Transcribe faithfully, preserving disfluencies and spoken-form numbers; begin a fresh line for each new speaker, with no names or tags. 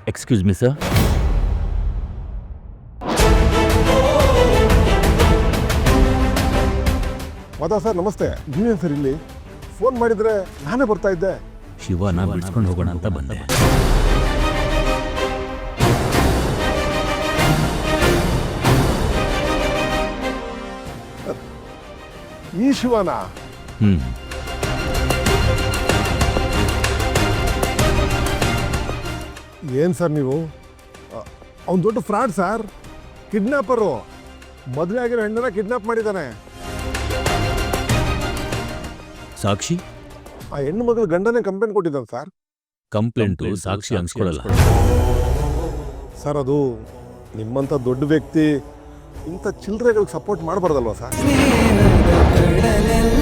Excuse me sir.
Madhav sir ನಮಸ್ತೆ. ನೀವೇನು sir ಇಲ್ಲಿ? ಫೋನ್ ಮಾಡಿದರೆ ನಾನೇ ಬರ್ತಾ ಇದ್ದೆ.
ಶಿವನ ಬಿಡಿಸ್ಕೊಂಡು ಹೋಗೋಣ ಅಂತ ಬಂದೆ.
ಈ ಶಿವನ?
ಹ್ಮ್
ಏನು ಸರ್ ನೀವು? ಅವ್ನು ದೊಡ್ಡ ಫ್ರಾಡ್ ಸರ್, ಕಿಡ್ನಾಪರು. ಮದುವೆ ಆಗಿರೋ ಹೆಣ್ಣನ್ನ ಕಿಡ್ನಾಪ್ ಮಾಡಿದ್ದಾನೆ.
ಸಾಕ್ಷಿ?
ಆ ಹೆಣ್ಣು ಮಗಳ ಗಂಡನೇ ಕಂಪ್ಲೇಂಟ್ ಕೊಟ್ಟಿದ್ದಾನೆ ಸರ್.
ಕಂಪ್ಲೇಂಟು ಸಾಕ್ಷಿ ಅನ್ಸ್ಕೊಳಲ್ಲ
ಸರ್. ಅದು ನಿಮ್ಮಂಥ ದೊಡ್ಡ ವ್ಯಕ್ತಿ ಇಂಥ ಚಿಲ್ಲರೆಗಳಿಗೆ ಸಪೋರ್ಟ್ ಮಾಡಬಾರ್ದಲ್ವಾ ಸರ್?